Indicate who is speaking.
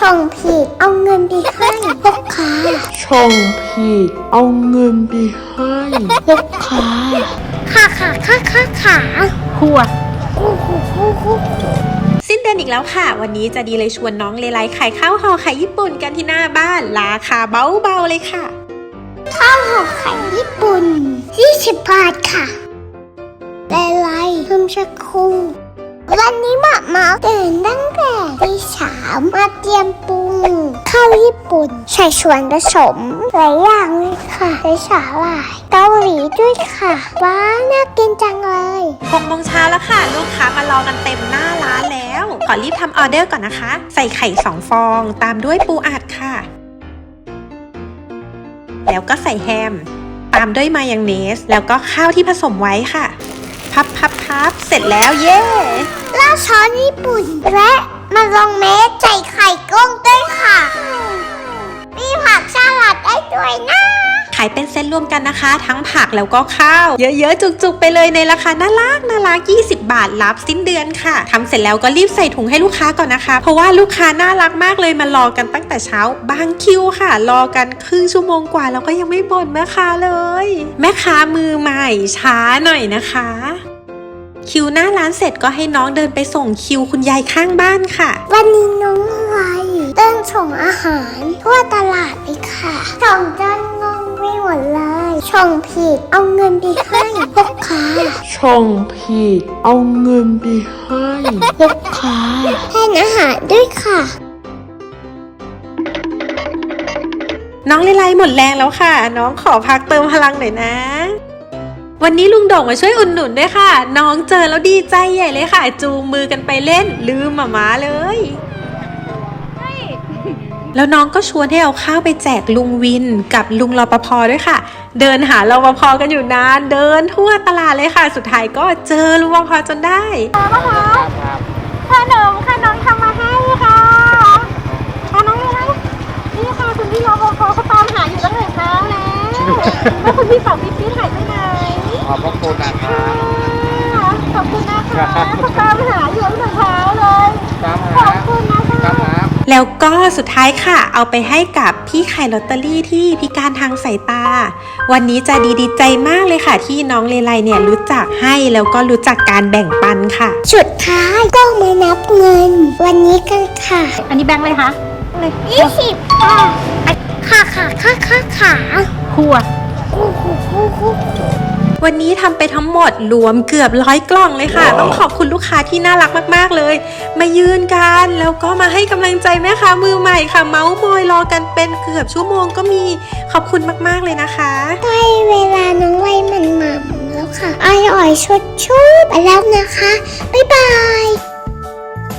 Speaker 1: ช่องผิดเอาเงินไปให้ลูกค้า
Speaker 2: ช่องผิดเอาเงินไปให้ลูกค้า
Speaker 1: ขา
Speaker 3: หัว
Speaker 1: กู
Speaker 3: สิ้นเดือนอีกแล้วค่ะวันนี้จะดีเลยชวนน้องเลไลขายข้าวห่อไข่ญี่ปุ่นกันที่หน้าบ้านราคาเบาๆเลยค่ะ
Speaker 1: ข้าวห่อไข่ญี่ปุ่น20 บาทค่ะแต่ไรเพิ่มชักครู่วันนี้มาตื่นตั้งแต่ตี3มาเตรียมปรุงข้าวญี่ปุ่นใส่ส่วนผสมหลายอย่างเลยค่ะใส่สาหร่ายเกาหลีด้วยค่ะว้าน่ากินจังเลย
Speaker 3: 6 โมงเช้าแล้วค่ะลูกค้ามารอกันเต็มหน้าร้านแล้วขอรีบทำออเดอร์ก่อนนะคะใส่ไข่2 ฟองตามด้วยปูอัดค่ะแล้วก็ใส่แฮมตามด้วยมายองเนสแล้วก็ข้าวที่ผสมไว้ค่ะพับเสร็จแล้วเย้
Speaker 1: ราดซอสญี่ปุ่นและมาลองเมสใส่ไข่กุ้งด้วยค่ะมีผักสลัดได้ด้วยนะ
Speaker 3: ขายเป็นเซตรวมกันนะคะทั้งผักแล้วก็ข้าวเยอะๆจุกๆไปเลยในราคาน่ารัก20 บาทรับสิ้นเดือนค่ะทำเสร็จแล้วก็รีบใส่ถุงให้ลูกค้าก่อนนะคะเพราะว่าลูกค้าน่ารักมากเลยมารอกันตั้งแต่เช้าบางคิวค่ะรอกันครึ่งชั่วโมงกว่าแล้วก็ยังไม่บ่นแม่ค้าเลยแม่ค้ามือใหม่ช้าหน่อยนะคะคิวหน้าร้านเสร็จก็ให้น้องเดินไปส่งคิวคุณยายข้างบ้านค่ะ
Speaker 1: วันนี้น้องอะไรเดินส่งอาหารทั่วตลาดเลยค่ะส่งจนงงไปหมดเลยช่องผิดเอาเงินไปให้ลูกค้า
Speaker 2: ช่องผิดเอาเงินไปให้ลูกค้า
Speaker 1: แทนอาหารด้วยค่ะ
Speaker 3: น้องเลไลหมดแรงแล้วค่ะน้องขอพักเติมพลังหน่อยนะวันนี้ลุงโด่งมาช่วยอุดหนุนด้วยค่ะน้องเจอแล้วดีใจใหญ่เลยค่ะจูงมือกันไปเล่นลืมหมาเลยแล้วน้องก็ชวนให้เอาข้าวไปแจกลุงวินกับลุงรปภด้วยค่ะเดินหารปภกันอยู่นานเดินทั่วตลาดเลยค่ะสุดท้ายก็เจอลุงรปภจนได้
Speaker 1: ขนมค่ะน้องทำมาให้ค่ะน้องเลยนี่ค่ะคุณพี่รปภเขาตามหาอยู่ตั้งแต่เช้าแล้วคุณพี่สาวพี่หายไปไหน
Speaker 4: ขอบคุณนะครับ
Speaker 1: ขอบคุณนะคะเขาตามหาอยู่ตั้งแต่เช้าเลยขอบคุณนะคะ
Speaker 3: แล้วก็สุดท้ายค่ะเอาไปให้กับพี่ขายลอตเตอรี่ที่พิการทางสายตาวันนี้จะดีใจมากเลยค่ะที่น้องเลไลเนี่ยรู้จักให้แล้วก็รู้จักการแบ่งปันค่ะ
Speaker 1: สุดท้ายก็มานับเงินวันนี้กันค่ะ
Speaker 3: อันนี้แบงค์เลยคะ
Speaker 1: เลย20ค่ะ
Speaker 3: หัววันนี้ทำไปทั้งหมดรวมเกือบ100 กล่องเลยค่ะต้องขอบคุณลูกค้าที่น่ารักมากๆเลยมายืนกันแล้วก็มาให้กำลังใจแม่ค้ามือใหม่ค่ะเมาส์มอยรอกันเป็นเกือบชั่วโมงก็มีขอบคุณมากๆเลยนะคะ
Speaker 1: ได้เวลาน้องไว้มันแล้วค่ะอร่อยชุดไปแล้วนะคะบ๊ายบาย